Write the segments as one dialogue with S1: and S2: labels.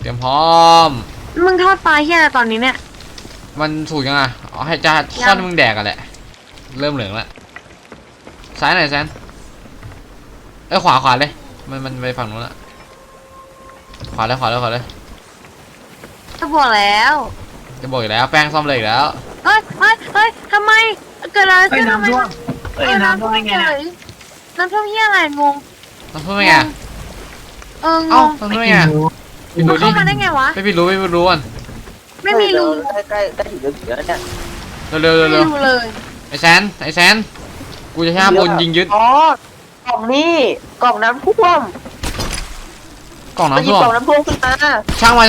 S1: เตรียมพร้อม
S2: มึงทอดปลาเฮียอะไรตอนนี้เนี่ย
S1: มันถูกยังไงเอาให้จะทอดมึงแดกกันแหละเริ่มเหลืองแล้วซ้ายหน่อยแซนขวาเลยมันไปฝั่งนู้นละขวาเลย
S2: จะบอกแล้ว
S1: จะบอกอีกแล้วแป้งซ่อมเลยอีกแล้ว
S2: เฮ้ยทำไมเกิดอะไรขึ้นทำไมน้ำท่วมไงน้ำท่วมเฮียอะไรงง
S1: น้ำท่วมไง
S2: งง
S1: น้ำท่วมไง
S2: มันเข้ามาได้ไงวะ
S1: ไม่รู้อ่ะ
S2: ไม่มีรู
S3: ใกล้ถึงเดี๋ยวเนี่ย
S1: เร็ว
S2: เลย
S1: ไอแซนกูจะห้ามบนยิงยึด
S3: อ๋อกล่องนี่กล่องน้ำท่วม
S1: กล่องน้ำท่วม
S3: ขึ้นมา
S1: ช่างมัน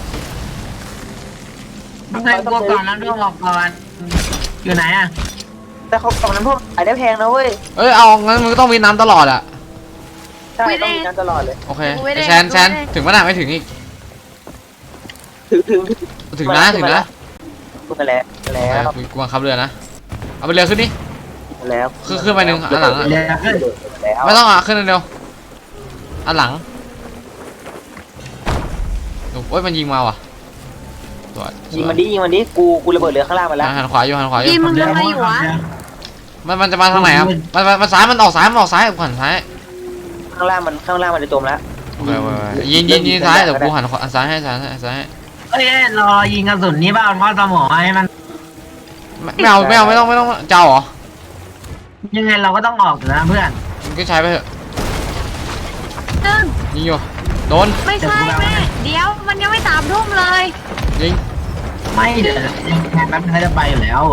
S4: ไม่ใช่กล่องน้ำท่วมออกก่อนอยู่ไหนอ่ะ
S3: แต่เขากล่องน้ำท่วมขายได้แพงนะเว้ย
S1: เอางั้นมึงก็ต้องมีน้ำตลอดอ่ะ
S3: ใช่ต้องมีน้ำตลอดเลย
S1: โอเคไอแซนถึงขนาดไม่ถึงอีกถึงนะ
S3: ขึ้นมาแล้ว
S1: กูบังคับเรือนะเอาไปเรือขึ้นนี่
S3: แล้ว
S1: ขึ้นไปหนึ่งอันหลังไม่ต้องขึ้นเร็วอันหลังโอ้ยมันยิงมาว่ะ
S3: ยิงมันดิกูระเบิดเรือข้างล่างมาแล้ว
S1: หันขวาอยู่
S2: ยิงมึงอะไรอยู่วะ
S1: มันจะมาทางไหนครับมันซ้ายมันออกซ้ายกูหันซ้าย
S3: ข้างล่างมันจะจมแล้ว
S1: โอเคยิงซ้ายเดี๋ยวกูหันซ้ายให้
S4: เอ้ยรอยิงกระสุนนี้บ้าทอดสมองให้มัน
S1: ไม่ต้องเจ้าเหรอ
S4: ยังไงเราก็ต้องออกนะเพื่อน
S1: มึงก็ใช้ไปเถอะยิงอยู่โดน
S2: ไม่ใช่แม่เดี๋ยวมันยังไม่3 ทุ่มเลย
S1: ยิง
S4: ไม่เดี๋ยวยังแป๊บนึงจะไปอยู่แล้ว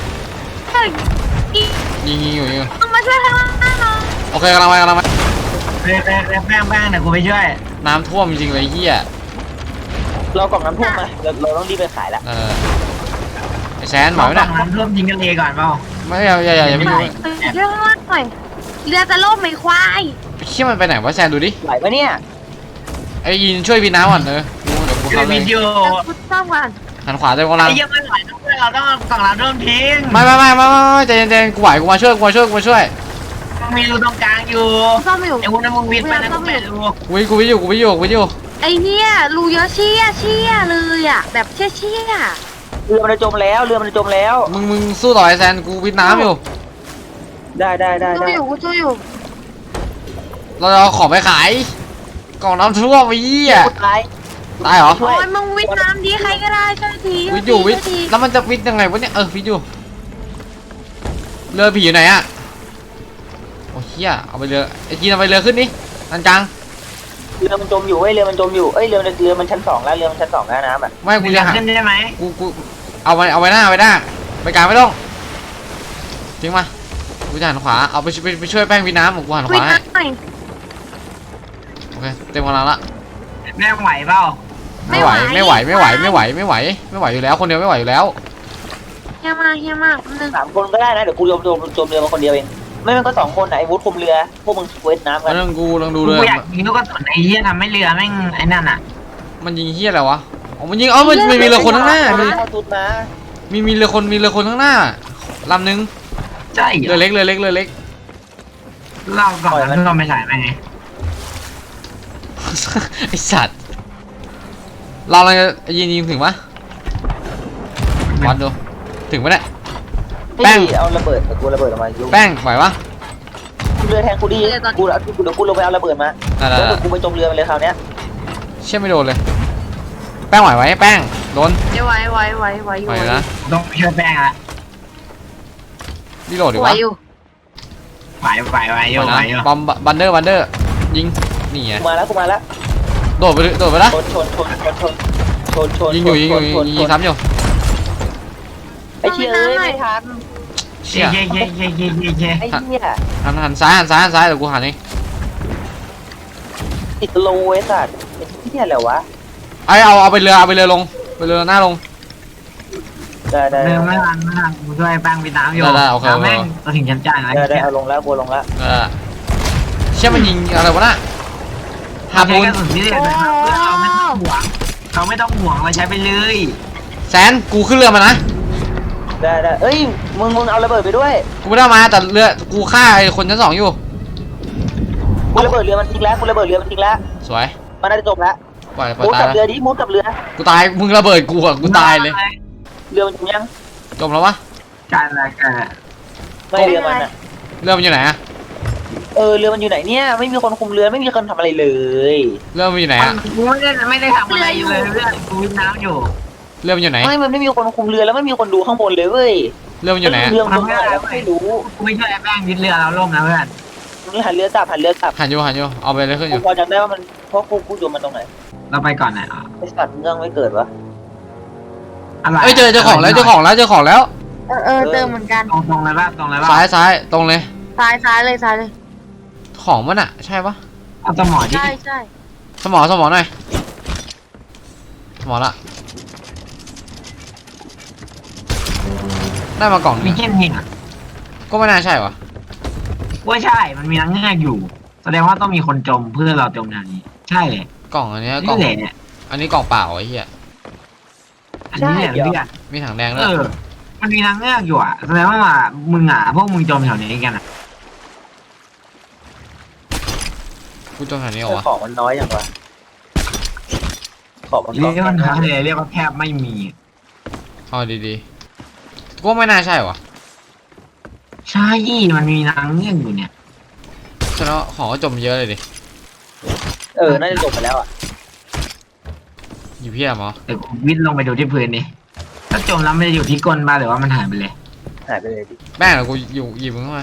S1: ยิงอยู่
S2: ต้องมาช่วยข้างล่างหน่อย
S1: โอเคกำลังไป
S4: แป้งเดี๋ยวกูไปช่วย
S1: น้ำท่วมจริงเลยเฮีย
S3: เรากล่องน้ำท่วมมาเราต้องรีบไปขายแล้ว
S1: ไอแซนหมายนะ
S4: น้ำท่วมยิงกันเองก่อนเปล่า
S1: ไม่อย่าไม่รู้
S2: เรื่องมากหน่อยเรือจะล่มไหมควาย
S1: เชี่ยมันไปไหนวะแซนดูดิ
S3: ไหวปะเนี่ย
S1: ไอ้ยินช่วยพี่น้ำก่อนเดี๋ยวกูเข้าเลย
S2: กูซ่อมก่อน
S1: หันขวาจะกำลัง
S4: ไอ้ยังไม่ไหวเราต้องกล่องน้ำท่วมทิ้ง
S1: ไม่ใจเย็นกูไหวกูมาช่วย
S4: มีรูตรงกลางอยู่
S2: ซ่อมอยู่
S4: ไอ้วุ้นมึงวิทย์ไปนะกู
S1: วิอยู่
S2: ไอ้เนี่ยรูเยอะเชี่ยเลยอ่ะแบบเชี่ย
S3: เรือมันจะจมแล้ว
S1: มึงสู้ต่อไอแซนกูวิทน้ำอยู่
S3: ได้
S2: กูช่วยอยู่
S1: เราเอาของไปขายกล่องน้ำท่วมไอ้ยี่อ่ะตายเหรอ
S2: โอ้ยมึงวิทน้ำดีใครก็ได้ช่วยที
S1: วิทอยู่แล้วมันจะวิทยังไงวะเนี่ยวิทอยู่เรือผีอยู่ไหนอ่ะโอ้เฮียเอาไปเรือไอ้จีนเอาไปเรือขึ้นนี่นันจัง
S3: เรือมันจมอยู่เรือมันชั้น 2แล้วเรือมันชั้น 2แล้วน้ำอ่ะ
S1: ไม่กูจะหา
S4: ขึ้นได้ไหม
S1: กูเอาไว้หน้าไปกลางไม่ต้องทิ้งมากูจะหันขวาเอาไปช่วยแป้งวิน้ำของกูหันขวาโอเคเต็มกำลังละ
S4: แม่ไหวเปล่า
S1: ไม่ไหวอยู่แล้วคนเดียวไม่ไหวอยู่แล้ว
S2: เฮียมาก
S3: 3 คนก็ได้นะเดี๋ยวกูจมเรือมาคนเดียวเองไม่มันก็2 คนไอ้วุฒิคุมเรือพวกมึงเวทน้ำกัน
S1: เรื่องกูลองดูเลย
S4: กูอยากยิงลูกกระสุนไอ้เหี้ยทำให้เรือแม่งไอ้นั่นอ่ะ
S1: มันยิงเหี้ยอะไรวะมันยิงมันมีเรือคนข้างหน้ามีเรือคนข้างหน้าลำนึง
S4: ใช่
S1: เรือเล็ก
S4: เราก่อนแล้วเราไม่ใส่ไปไง
S1: ไอสัตว์เราอะไรยิงถึงปะวัดดูถึงปะเนี่ย
S3: แป้งเอาระเบิดกูระเบิดออกมา
S1: แป้งไหวปะ
S3: เรือแทงกูดีกูลงไปเอาระเบิดมาแล้วกูไปจมเรือไปเลยคราวนี้
S1: เชื่อไม่โดนเลยแป้งไหวแป้งโดน
S2: ไหว
S1: นะ
S4: ต้องช่วยแป้งละ
S1: นี่โหลดดีวะ
S4: ไหวอยู่
S1: บอมบันเดอร์ยิงนี่ไง
S3: กูมาแล้ว
S1: โดดไปละ
S3: ชน
S1: ยิงซ้ำอยู่
S3: ไอ้เชี่ยไม่ทัน
S4: เชี่ยไอ้เ
S3: หี้ย
S1: หันซ้ายเดี๋ยวกูหันเอง
S3: ติดโลไอ้สัตว์ไอ้เหี้ยอะไรวะ
S1: เอาไปเรือลงไปเรือหน้าลง
S3: ได้
S4: เรือไม่ทันกูช่วยแป้งไปน้ำอยู่แม่งเราถึงจำใจนะ
S3: ได้เอาลงแล้วบัวลงแล้ว
S1: เชี่ยมันยิงอะไรวะน่ะ
S4: หาปูนเราไม่ต้องห่วงเราใช้ไปเลย
S1: แซนกูขึ้นเรือมานะ
S3: ได้เอ้ยมึงเอาระเบิดไปด้วย
S1: กูไม่ได้มาแต่เรือกูฆ่าไอ้คนชั้น 2อยู่
S3: กูระเบิดเรือมันทิ้งแล้ว
S1: สวย
S3: มันน่าจะจบแล้ว
S1: ปล่อย
S3: มุด
S1: ตาย
S3: กับ
S1: แล้ว
S3: เรือดิมุดกับเรือ
S1: กูตายมึงระเบิดกูอ่ะกูตายเลย
S3: เรือมันจมยัง
S1: จมแล้ววะ
S4: การอะไรกัน
S3: ไม่เรือมันอ่ะ
S1: เรือมันอยู่ไหนอะ
S3: เรือมันอยู่ไหนเนี่ยไม่มีคนคุมเรือไม่มีคนทำอะไรเลย
S1: เรือมันอยู่ไหนอะ
S4: กูไม่ได้ทำอะไรอยู่เลยเพื่อนกูวิดน้ำอยู่
S1: เรือมันอยู่ไหน
S3: มันไม่มีคนคุมเรือแล้วไม่มีคนดูข้างบนเลยเว้ย
S1: เรือมันอยู่ไหนอะ
S3: เรือมันจมไหนแล้วไม่รู้
S4: กูไม่ช่วยแป้งยึดเรือเราล่มนะเพื่อน
S3: นี่หันเรือกลับ
S1: หันอยู่เอาไปเลยขึ้นอ
S3: กู
S1: ยู่
S3: พอจำได้ว่ามันเพราะกูโยนมันตรงไหน
S4: เราไปก่อนนะ
S3: ไอสัตว์เรื่องไม่เกิดวะ
S4: อะไร
S1: เอ้ยเจอของแล้วเจอของแล้ว
S2: เติมเหมือนกัน
S4: ตรงเลยป่ะตรงเลยป่ะ
S1: ซ้ายตรงเลย
S2: ซ้ายเลย
S1: ของมันอะใช่ปะ
S4: เอาสมอที่
S2: ใช่
S1: สมอหน่อยสมอละได้มากล่อง
S4: มี
S1: นึง
S4: แค่นี้อ่ะ
S1: ก็ไม่น่าใช่วะ
S4: ว่าใช่มันมีนังแง่อยู่ แสดงว่าต้องมีคนจมเพื่อเราจมทางนี้ ใช่เลย
S1: กล่องอันเนี้ยกล่
S4: นี่
S1: อง
S4: แหละเนี่ย
S1: อันนี้กล่องเปล่าไอ้เหี้ย
S4: อันนี้เนี่ยเพื่อน
S1: มีถังแดงด้วย
S4: มันมีนังแง่อยู่อ่ะแสดงว่ามึงอ่ะพวกมึงจมแถวนี้กันอ่ะ
S1: กูจมแถวนี้เหรอวะ
S3: ของมันน้อยอย่างวะของมัน
S4: เรียกว่าน้อยเลยเรียกว่าแทบไม่มี
S1: เอาดีๆกูว่าไม่น่าใช่วะ
S4: ใช่มันมีนังแง่อยู่เนี่ย
S1: แสดงว่าของก็จมเยอะเลยดิ
S3: น่าจะจบไปแล้วอ่ะ
S1: อยู่เพียบเหรอ
S4: แต่กูวิดลงไปดูที่พื้นดิถ้าจมแล้วมันจะอยู่ที่ก้นบ้าหรือว่ามันหายไปเลย
S3: หายไปเลยดิ
S1: แม่งเดี๋ยวกูอยู่หยิบมึงเข้ามา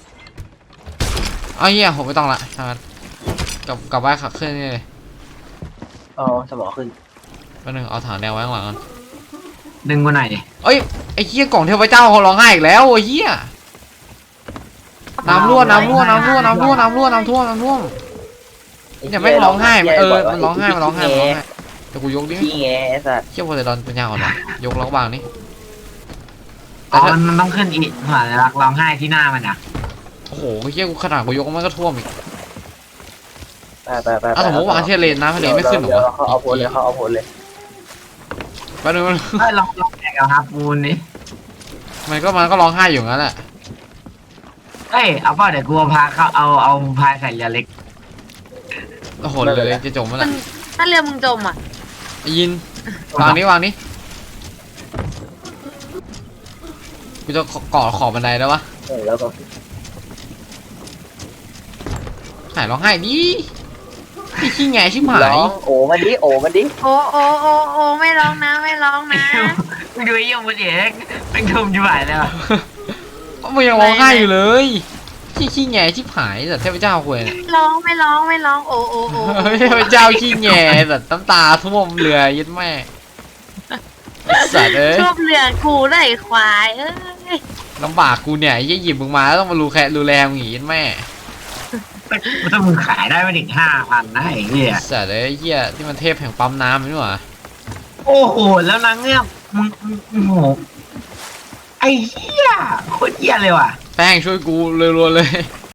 S1: เอาเหี้ยผมไม่ต้องละทางนั้นกลับบ้านขับเคลื่อนนี่เลย
S3: อ๋อสมองขึ้น
S1: แป๊บนึงเอาถังแดงไว้ข้างหลังก่อน
S4: ดึงกูหน่อยดิ
S1: เอ้ยไอ้เหี้ยกล่องเทพเจ้าเขาร้องไห้อีกแล้วไอ้เหี้ยน้ำรั่วเนี่ยแม่งร้องไห้มันมันร้องไห้แต่กูยกดิ
S3: ขี้แงไอ้สัตว์
S1: เชี่ยโพไซดอนปัญญาอ่อนวะยกแล้วก็วางนี่
S4: อ๋อมันต้องขึ้นอีกหัวรักร้องไห้ที่หน้ามันอ่ะ
S1: โอ้โหเชี่ยกูขนาดกูยกมันก็ท่วมอีก
S3: ไป
S1: อ่ะสมมติวางเทียเลนนะทะเลไม่ขึ้นหรอวะ
S3: เขาเอาโพลเลย
S1: แป๊บนึง
S4: เอ้ยลองแข่งกับฮาปูนดิ
S1: มันก็ร้องไห้อยู่งั้นแหละ
S4: เอ้ยเอาเปล่าเดี๋ยวกูพาเขาเอาพายใส่เรือเล็ก
S1: โอ้โหเลยจะจมแล้วแหละ
S2: ถ้าเรือมึงจมอ่ะ
S1: ยินวางนี้กูจะเกาะขอบบันไดได้ปะ
S3: แล้วก็
S1: หายร้องไห้ดิพี่ขี้แงชิบหาย
S3: โอ้มันดิ
S2: โอ้ไม่ร้องนะ
S4: มึงดูไอ้ยงมันเอกเป็นทุมจิ๋วไหวเลยว่ะ
S1: มันยังร้องไห้อยู่เลยขี้แงชิบหายแต่เทพเจ้าคุยเนี่ย
S2: ไม่ร้องโอ้
S1: เทพเจ้าขี้แงแต่น้ำตาท่วมเรือยึดแม่สัตว์เอ้ย
S2: ชอบเรือกูได้ควายเอ้ย
S1: ลำบากกูเนี่ยยี่หยิบมึงมาแล้วต้องมาดูแลมึงอย่างนี้แม่
S4: ถ้ามึงขายได้ไม่ถึง5,000นะไอ้เหี้ย
S1: สัตว์เอ้ยเหี้ยที่มันเทพแห่งปั๊มน้ำนี่หว่า
S4: โอ้โหแล้วนางเงือกมึงโอ้โหไอ้เหี้ยโคตรเหี้ยเลยว่ะ
S1: แป้งช่วยกูรัวๆเลย